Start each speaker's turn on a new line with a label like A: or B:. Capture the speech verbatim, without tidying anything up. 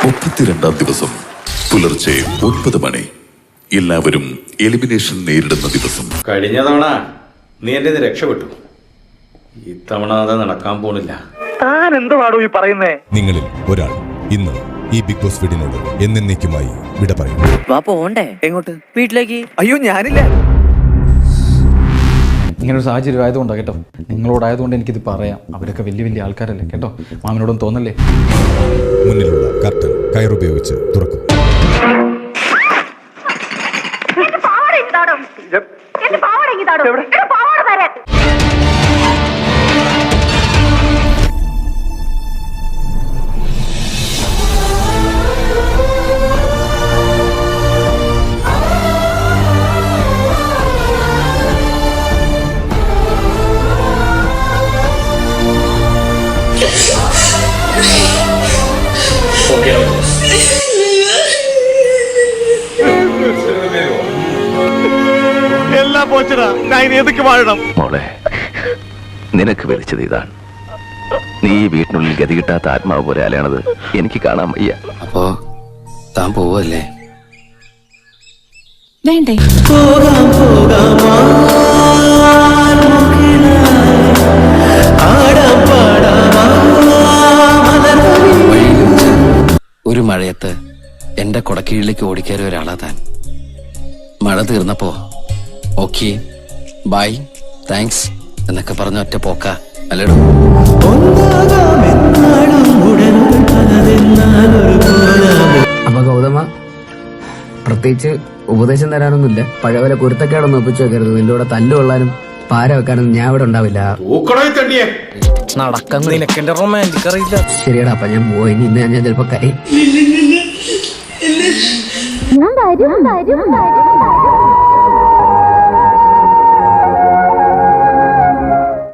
A: മുപ്പത്തിരണ്ടാം ദിവസം പുലർച്ചെ ഒൻപത് മണി. എല്ലാവരും എലിമിനേഷൻ നേരിടുന്ന ദിവസം.
B: കഴിഞ്ഞ തവണ നീ എന്റെ രക്ഷപ്പെട്ടു, ഇത്തവണ അത് നടക്കാൻ പോണില്ല.
C: താൻ എന്തുവാടോ ഈ പറയുന്നേ?
D: നിങ്ങളിൽ ഒരാൾ ഇന്ന് ഈ ബിഗ് ബോസ് വീടിനോട് എന്നേക്കുമായി വിട പറയും.
E: വാ പോണ്ടേ? എങ്ങോട്ട്? വീട്ടിലേക്ക്.
C: അയ്യോ ഞാനില്ല.
F: ഇങ്ങനൊരു സാഹചര്യം ആയതുകൊണ്ടാണ് കേട്ടോ, നിങ്ങളോടായതുകൊണ്ട് എനിക്കിത് പറയാം. അവരൊക്കെ വലിയ വലിയ ആൾക്കാരല്ലേ കേട്ടോ, മാമിനോടും തോന്നല്ലേ.
D: മുന്നിലുള്ള കർട്ടൻ കയറുപയോഗിച്ച് തുറക്കും.
C: എല്ലാം പോച്ചടാ, ഞാൻ ഏതൊക്കെ വാഴണം?
G: മോളെ, നിനക്ക് വിളിച്ചത് ഇതാണ്. നീ ഈ വീട്ടിനുള്ളിൽ ഗതി കിട്ടാത്ത ആത്മാവ് പോലെ അലയണത് എനിക്ക് കാണാൻ വയ്യ.
E: അപ്പോ താൻ പോവല്ലേ?
H: വേണ്ടേ?
E: ഒരു മഴയത്ത് എന്റെ കൊടക്കീഴിലേക്ക് ഓടിക്കയറിയ ഒരാളാ താൻ. മഴ തീർന്നപ്പോ ഓക്കെ ബൈ താങ്ക്സ് എന്നൊക്കെ പറഞ്ഞ ഒറ്റ പോക്ക അല്ലേടോ?
I: അപ്പൊ ഗൗതമ, പ്രത്യേകിച്ച് ഉപദേശം തരാനൊന്നുമില്ല. പഴയപോലെ കുരുത്തക്കേടൊന്നും ഒപ്പിച്ചു വെക്കരുത്. നിന്റെ കൂടെ തല്ലു കൊള്ളാനും പാര വെക്കാനൊന്നും ഞാൻ ഇവിടെ ഉണ്ടാവില്ല.
E: നടക്കാൻ നിനക്ക് എന്റെ റൊമാൻറ്റിക് അറിയില്ല.
I: ശരിയടാ, അപ്പൊ ഞാൻ പോയി. ഇന്ന് ഞാൻ ചിലപ്പോ കൈ
H: ഞാൻ